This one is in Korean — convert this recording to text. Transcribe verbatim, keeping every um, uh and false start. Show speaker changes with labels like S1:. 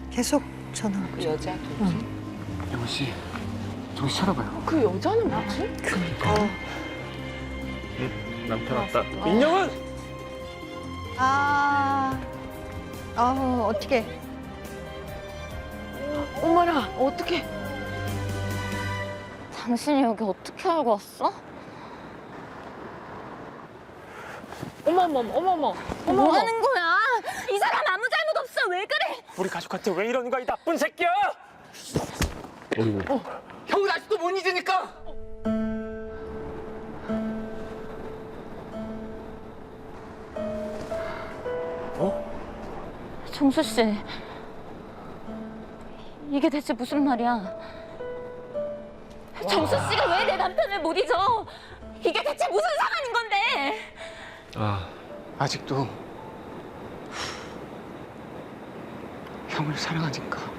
S1: 계속 전화.
S2: 그 여자 누구지?
S3: 영훈 씨, 정신 차려봐요.
S2: 그 여자는 뭐지?
S1: 그러니까.
S4: 남편 왔다.
S3: 민영은!
S1: 아, 아, 어떻게?
S2: 어머나, 어떡해.
S5: 당신이 여기 어떻게 알고 왔어?
S2: 어머머, 어머머, 어머머.
S5: 뭐 하는 거야? 이 사람 아무 잘못 없어. 왜 그래?
S3: 우리 가족한테 왜 이러는 거야, 이 나쁜 새끼야!
S4: 어이구.
S3: 형은 아직도 못 잊으니까!
S5: 정수 씨, 이게 대체 무슨 말이야? 정수 씨가 왜 내 남편을 못 잊어? 이게 대체 무슨 상황인 건데?
S4: 아,
S3: 아직도 형을 사랑하니까.